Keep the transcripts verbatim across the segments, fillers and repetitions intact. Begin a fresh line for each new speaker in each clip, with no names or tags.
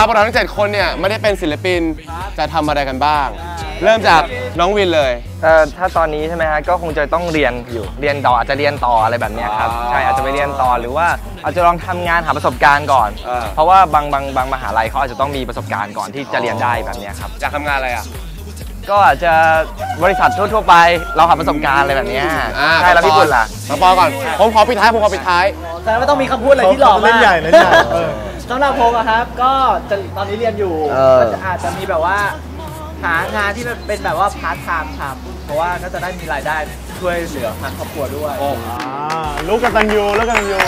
พวกเราทั้งเจ็ดคนเนี่ยไม่ได้เป็นศิลปินจะทำอะไรกันบ้างเริ่มจากน้องวินเลย
เอ่อถ้าตอนนี้ใช่ไหมฮะก็คงจะต้องเรียนอยู่เรียนต่ออาจจะเรียนต่ออะไรแบบนี้ครับใช่อาจจะไปเรียนต่อหรือว่าอาจจะลองทำงานหาประสบการณ์ก่อนเพราะว่าบางบางบางมหาลัยเขาอาจจะต้องมีประสบการณ์ก่อนที่จะเรียนได้แบบนี้ครับ
อยากทำงานอะไรอ่ะ
ก็อาจจะบริษัททั่วๆไปเราหาประสบการณ์อะไรแบบนี้ใช่แล้วพี่ปุ่นล่ะ
มาปอก่อนผมขอปิดท้ายผมขอปิดท้าย
แต่ไม่ต้องมีคำพูดอะไรที่หล่อมากเล่น
ใหญ่เล่นใหญ่
สำหรับผมอะครับก็จะตอนนี้เรียนอยู่ก็จะอาจจะมีแบบว่าหางานที่เป็นแบบว่าพาร์ทไทม์ทำเพราะว่าก็จะได้มีรายได้ช่วยเหลือทางครอบครัวด้วย
ลูกกตัญญูลูกกตัญญู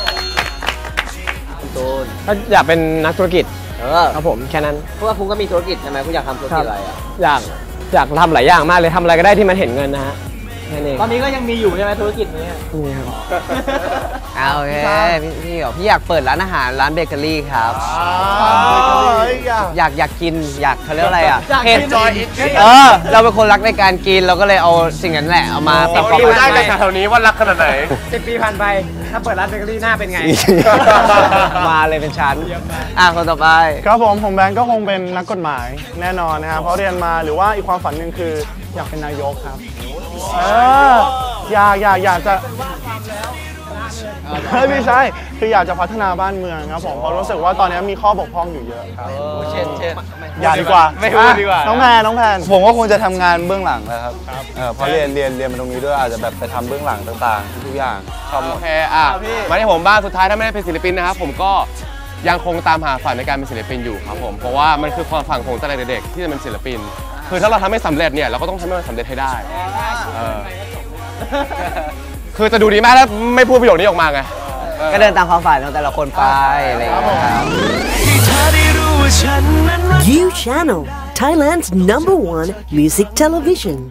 ตูน
ก็อยากเป็นนักธุรกิจ
เออ
ครับผมแค่นั้น
เพราะว่าคุณก็มีธุรกิจใช่ไหมคุณอยากทำธุรกิจอะไรอ่ะ
อยากอยากทำหลายอย่างมากเลยทำอะไรก็ได้ที่มันเห็นเงินนะฮะแค่นี้
ตอนนี้ก็ยังมีอยู่ใช่ไหมธุรกิจนี้
นี่ครับ
เอาโอเคพี่พี่พี่อยากเปิดร้านอาหารร้านเบเกอรี่ครับอยากอยากกินอยากเขาเรียกอะไรอ่ะ
เห็นจอย
เออเราเป็นคนรักในการกินเราก็เลยเอาสิ่งนั้นแหละเอามา
ประกอบได้ในแถวนี้ว่ารักขนาดไหน
สิบปีผ่านไปถ้าเปิดร้านเบเกอรี่หน้าเป็นไง
มาเลยเป็นชั้นอ่ะคนต่อไป
ครับผมผมแบงก์ก็คงเป็นนักกฎหมายแน่นอนนะครับเพราะเรียนมาหรือว่าอีกความฝันหนึ่งคืออยากเป็นนายกครับเอออยากอยากอยากจะเฮ้ยไม่ใช่คืออยากจะพัฒนาบ้านเมืองครับผมเพราะรู้สึกว่าตอนนี้มีข้อบกพร่องอยู่เยอะครับ
เช่นเช่น
อย่าดีกว่า
ไม่พูดดีกว่า
น้องแพนน้องแพน
ผมก็คงจะทำงานเบื้องหลังนะครับเพราะเรียนเรียนเรียนมาตรงนี้ด้วยอาจจะแบบไปทำเบื้องหลังต่างๆทุกอย่างชอบ
โอเคอ่ะมาที่ผมบ้างสุดท้ายถ้าไม่ได้เป็นศิลปินนะครับผมก็ยังคงตามหาฝันในการเป็นศิลปินอยู่ครับผมเพราะว่ามันคือความฝันของตั้งแต่เด็กๆที่จะเป็นศิลปินคือถ้าเราทำไม่สำเร็จเนี่ยเราก็ต้องทำให้มันสำเร็จให้ได้คือจะดูดีมากแล้วไม่พูดประโยคนี้ออกมาไง
ก็เดินตามความฝันของแต่ละคนไปอะไรอย่างเงี้ยครับ
You Channel Thailand's number one music television